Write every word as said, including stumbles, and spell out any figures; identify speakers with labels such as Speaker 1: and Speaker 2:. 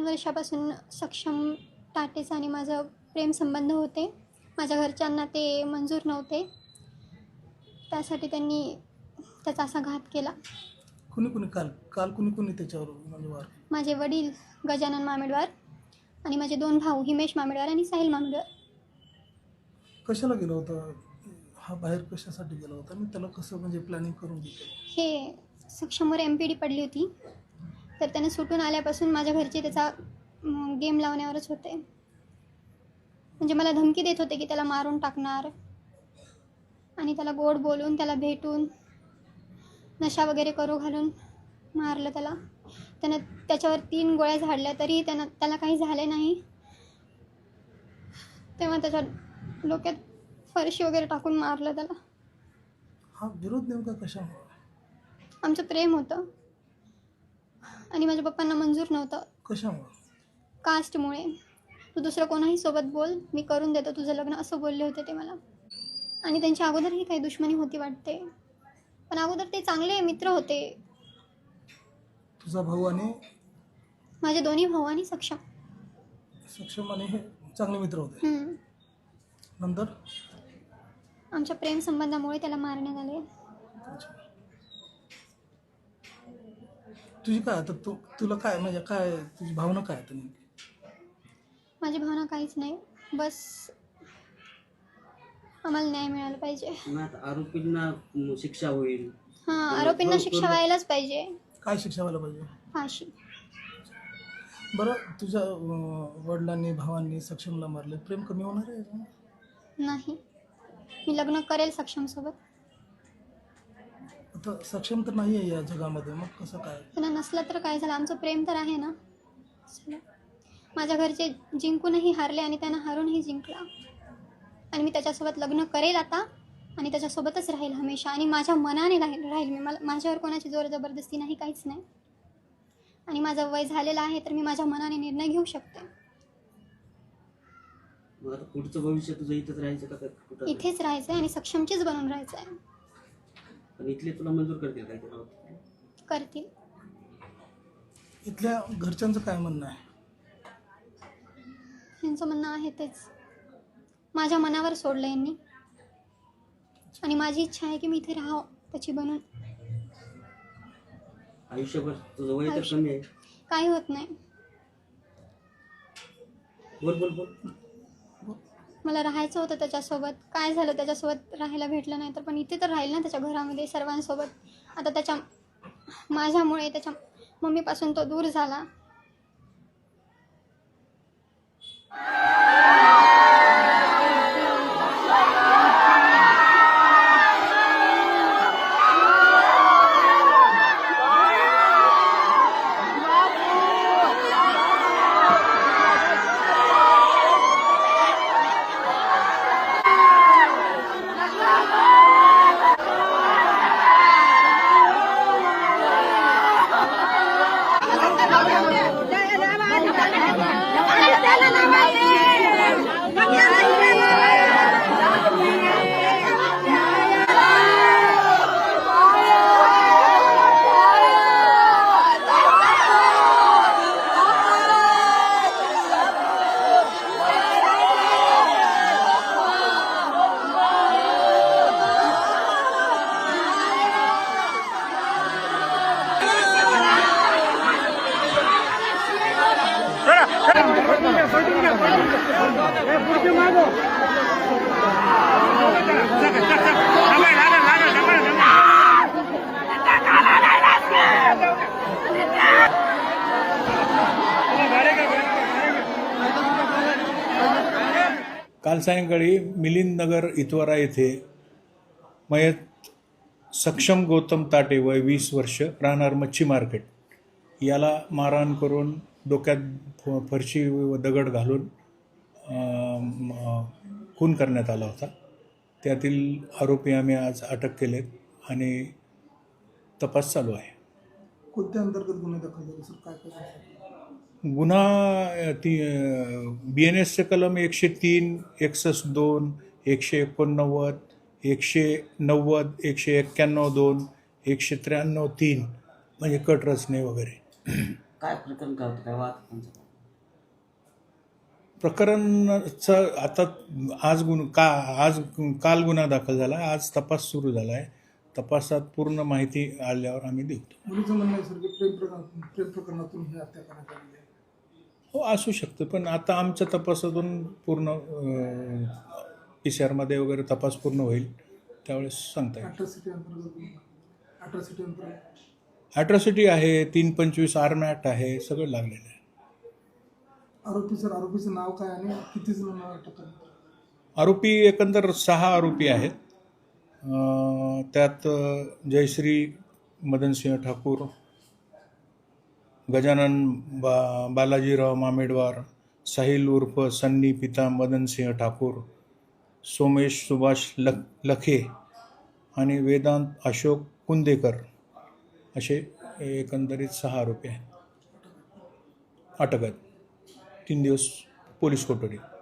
Speaker 1: वर्षापासून सक्षम टाटेचा आणि माझं प्रेमसंबंध होते. माझ्या घरच्यांना ते मंजूर नव्हते, त्यासाठी त्यांनी त्याचा असा घात केला.
Speaker 2: कुणी कुणी काल काल कुणी कुणी त्याच्यावर म्हणजे वार?
Speaker 1: माझे वडील गजानन मामेडवार आणि माझे दोन भाऊ हिमेश मामेडवार आणि साहिल मामेडवार.
Speaker 2: कशाला गेला होता हा बाहेर, कशासाठी गेला होता आणि त्याला कसं म्हणजे प्लॅनिंग करून घेतलं?
Speaker 1: हे सक्षमवर एम पी डी पडली होती, तर त्याने सुटून आल्यापासून माझ्या घरचे त्याचा गेम लावण्यावरच होते. म्हणजे मला धमकी देत होते की त्याला मारून टाकणार आणि त्याला गोड बोलून त्याला भेटून नशा वगैरे करू घालून मारलं त्याला. त्यानं त्याच्यावर तीन गोळ्या झाडल्या तरी त्यानं त्याला काही झाले नाही. तेव्हा त्याच्या डोक्यात फरशी वगैरे टाकून मारलं त्याला.
Speaker 2: हा विरोध नेमका कशामुळे?
Speaker 1: आमचं प्रेम होतं आणि माझ्या पप्पांना मंजूर नव्हतं.
Speaker 2: कशामुळे?
Speaker 1: कास्टमुळे. तू दुसरं कोणाही सोबत बोल, मी करून देतो तुझं लग्न, असं बोलले होते ते मला. आणि त्यांच्या अगोदरही काही दुश्मनी होती वाटते, पण अगोदर ते चांगले मित्र होते.
Speaker 2: तुझा भाऊ आणि
Speaker 1: माझे दोन्ही भाऊ आणि सक्षम
Speaker 2: सक्षम आणि हे चांगले मित्र होते.
Speaker 1: हम्म.
Speaker 2: नंतर
Speaker 1: आमच्या प्रेम संबंधामुळे त्याला मारण्यात आले.
Speaker 2: तुझी काय आता तू तुला काय म्हणजे काय तुझी भावना काय आता नेमकी?
Speaker 1: माझी भावना काहीच नाही, बस आम्हाला न्याय मिळाला पाहिजे.
Speaker 3: आरोपींना शिक्षा होईल.
Speaker 1: हां, आरोपींना शिक्षा व्हायलाच पाहिजे.
Speaker 2: काय शिक्षा व्हायला पाहिजे?
Speaker 1: फाशी.
Speaker 2: बरं, तुझ्या वडिलांनी भावांनी सक्षमला मारले, प्रेम कमी होणार आहे?
Speaker 1: नाही, मी लग्न करेल सक्षमसोबत.
Speaker 2: आता सक्षम तर नाही आहे या जगामध्ये, मग कसं काय?
Speaker 1: त्यांना नसलं तर काय झालं, आमचं प्रेम तर आहे ना. माझ्या घरचे जिंकूनही हारले आणि त्यांना हारूनही जिंकला. आणि मी त्याच्यासोबत लग्न करेल आता आणि त्याच्यासोबतच राहील हमेशा. आणि माझ्या मनाने राहील राहील मी. मला माझ्यावर कोणाची जोर जबरदस्ती नाही, काहीच नाही. आणि माझं वय झालेलं आहे, तर मी माझ्या मनाने निर्णय घेऊ शकते.
Speaker 3: पुढचं भविष्य तुझं इथेच राहायचं का? कुठं
Speaker 1: इथेच राहायचं आहे आणि सक्षमचीच बनून राहायचं आहे.
Speaker 3: पण इथले तुला मंजूर करतील काय?
Speaker 1: करतील.
Speaker 2: इथल्या घरच्यांचं काय म्हणणं आहे?
Speaker 1: यांचं म्हणणं आहे तेच, माझ्या मनावर सोडलं यांनी. आणि माझी इच्छा आहे की मी इथे राहावं त्याची बनून
Speaker 3: आयुष्यभर. तुझं वय तर कमी आहे.
Speaker 1: काही होत नाही.
Speaker 3: बोल बोल बोल.
Speaker 1: मला राहायचं होतं त्याच्यासोबत. काय झालं, त्याच्यासोबत राहायला भेटलं नाही तर, पण इथे तर राहील ना त्याच्या घरामध्ये सर्वांसोबत. आता त्याच्या माझ्यामुळे त्याच्या मम्मीपासून तो दूर झाला.
Speaker 4: काल सायंकाळी मिलिंद नगर इतवारा येथे मयत सक्षम गौतम ताटे वय वीस वर्ष राहणार मच्छी मार्केट याला मारहाण करून डोक्यात फरशी व दगड घालून खून करण्यात आला होता. त्यातील आरोपी आम्ही आज अटक केलेत आणि तपास चालू आहे.
Speaker 2: कोणत्या अंतर्गत गुन्हे दाखल झाले सर? काय काय
Speaker 4: गुन्हा ती बी एन एसचे कलम एकशे तीन एकसष्ट दोन एकशे एकोणनव्वद एकशे नव्वद एकशे एक्क्याण्णव दोन एकशे त्र्याण्णव तीन म्हणजे कट रचने वगैरे.
Speaker 3: काय प्रकरण काय होतं, काय वाद?
Speaker 4: प्रकरणाचं आता आज गुन्हा का आज काल गुन्हा दाखल झाला, आज तपास सुरू झाला आहे. तपासात पूर्ण माहिती आल्यावर आम्ही देऊ.
Speaker 2: मुलीचं म्हणणं आहे सर की प्रेम प्रकरण प्रेम प्रकरणातून ही हत्या करण्यात आलेली आहे.
Speaker 4: हो, असू शकतं, पण आता आमच्या तपासातून पूर्ण पी सी आरमध्ये वगैरे तपास पूर्ण होईल, त्यावेळेस सांगता येईल.
Speaker 2: अट्रॉसिटी अंतर्गत अट्रॉसिटी अंतर्गत
Speaker 4: ॲट्रॉसिटी आहे, तीन पंचवीस आर्म ॲक्ट आहे, सगळं लागलेलं आहे.
Speaker 2: आरोपी सर आरोपीचं नाव काय आणि किती जण अटक करण्यात आली?
Speaker 4: आरोपी एकंदर सहा आरोपी आहेत. अं, त्यात जयश्री मदनसिंह ठाकूर, गजानन बा बालाजीराव मामेडवार, साहिल उर्फ सन्नी पिता मदनसिंह ठाकूर, सोमेश सुभाष लख लखे आणि वेदांत अशोक कुंदेकर असे एकंदरीत सहा आरोपी आहेत. अटक आहेत. तीन दिवस पोलीस कोठडी.